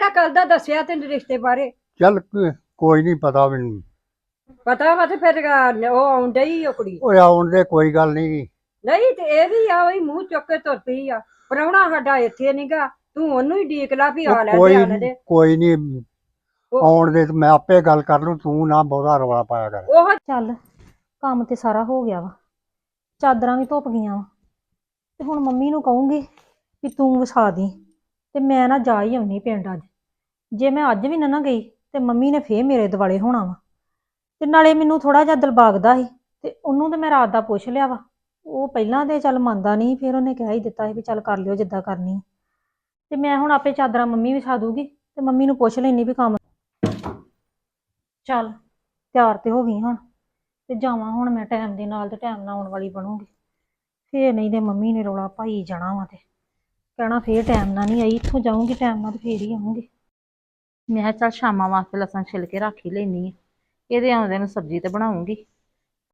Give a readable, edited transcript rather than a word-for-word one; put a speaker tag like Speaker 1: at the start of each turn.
Speaker 1: ਕਿਹੜਾ ਕੱਲ ਦਾ ਦੱਸਿਆ ਤੈਨੂੰ ਰਿਸ਼ਤੇ ਬਾਰੇ?
Speaker 2: ਚੱਲ ਕੋਈ ਨਹੀਂ ਪਤਾ ਮੈਨੂੰ।
Speaker 1: ਪਤਾ ਵਾ ਤੇ ਫਿਰ ਉਹ ਆਉਂਦਾ ਹੀ ਉਹ ਕੁੜੀ।
Speaker 2: ਓਏ ਆਉਣ ਦੇ ਕੋਈ ਗੱਲ ਨਹੀਂ।
Speaker 1: ਨਹੀਂ ਤੇ ਇਹ ਵੀ ਆ ਉਹੀ ਮੂੰਹ ਚੁੱਕ ਕੇ ਤੁਰ ਪਈ ਆ। ਪ੍ਰਾਹੁਣਾ ਸਾਡਾ ਇੱਥੇ ਨਹੀਂਗਾ, ਤੂੰ ਉਹਨੂੰ ਹੀ ਡੀਕ ਲਾ ਵੀ ਆ ਲੈ ਤੇ ਆਣ ਦੇ।
Speaker 2: ਕੋਈ ਨਹੀਂ ਆਉਣ ਦੇ, ਮੈਂ ਆਪੇ ਗੱਲ ਕਰ ਲੂੰ, ਤੂੰ ਨਾ ਬਹੁਤਾ ਰੌਲਾ ਪਾਇਆ ਕਰ।
Speaker 1: ਉਹ
Speaker 3: ਚੱਲ ਕੰਮ ਤੇ ਸਾਰਾ ਹੋ ਗਿਆ ਵਾ, ਚਾਦਰਾਂ ਵੀ ਧੁੱਪ ਗਈਆਂ ਵਾ ਤੇ ਹੁਣ ਮੰਮੀ ਨੂੰ ਕਹੂੰਗੀ ਕਿ ਤੂੰ ਵਿਛਾ ਦੀ ਤੇ ਮੈਂ ਨਾ ਜਾ ਹੀ ਆਉਣੀ ਪਿੰਡ ਅੱਜ। ਜੇ ਮੈਂ ਅੱਜ ਵੀ ਨਾ ਗਈ ਤੇ ਮੰਮੀ ਨੇ ਫੇਰ ਮੇਰੇ ਦੁਆਲੇ ਹੋਣਾ ਵਾ। ਤੇ ਨਾਲੇ ਮੈਨੂੰ ਥੋੜਾ ਜਿਹਾ ਦਿਲਬਾਗਦਾ ਸੀ ਤੇ ਉਹਨੂੰ ਤੇ ਮੈਂ ਰਾਤ ਦਾ ਪੁੱਛ ਲਿਆ ਵਾ। ਉਹ ਪਹਿਲਾਂ ਤੇ ਚੱਲ ਮੰਨਦਾ ਨਹੀਂ, ਫਿਰ ਉਹਨੇ ਕਹਿ ਹੀ ਦਿੱਤਾ ਸੀ ਵੀ ਚੱਲ ਕਰ ਲਿਓ ਜਿੱਦਾਂ ਕਰਨੀ। ਤੇ ਮੈਂ ਹੁਣ ਆਪੇ ਚਾਦਰਾਂ ਮੰਮੀ ਵਿਛਾ ਦੂਗੀ ਤੇ ਮੰਮੀ ਨੂੰ ਪੁੱਛ ਲੈਣੀ ਵੀ ਕੰਮ। ਚੱਲ ਤਿਆਰ ਤੇ ਹੋ ਗਈ ਹੁਣ ਤੇ ਜਾਵਾਂ ਹੁਣ ਮੈਂ ਟਾਈਮ ਦੇ ਨਾਲ ਤੇ ਟਾਈਮ ਨਾਲ ਆਉਣ ਵਾਲੀ ਬਣੂਗੀ। ਫੇਰ ਨਹੀਂ ਤੇ ਮੰਮੀ ਨੇ ਰੌਲਾ ਪਾਈ ਜਾਣਾ ਵਾ ਤੇ ਕਹਿਣਾ ਫੇਰ ਟਾਈਮ ਨਾਲ ਨਹੀਂ ਆਈ। ਇੱਥੋਂ ਜਾਊਂਗੀ ਟਾਈਮ ਨਾਲ ਤੇ ਫੇਰ ਹੀ ਆਊਂਗੀ।
Speaker 4: ਮੈਂ ਕਿਹਾ ਚੱਲ ਸ਼ਾਮਾਂ ਵਾਸਤੇ ਲਸਣ ਛਿਲ ਕੇ ਰੱਖ ਹੀ ਲੈਣੀ ਆ, ਇਹਦੇ ਆਉਂਦੇ ਨੂੰ ਸਬਜ਼ੀ ਤੇ ਬਣਾਉਂਗੀ।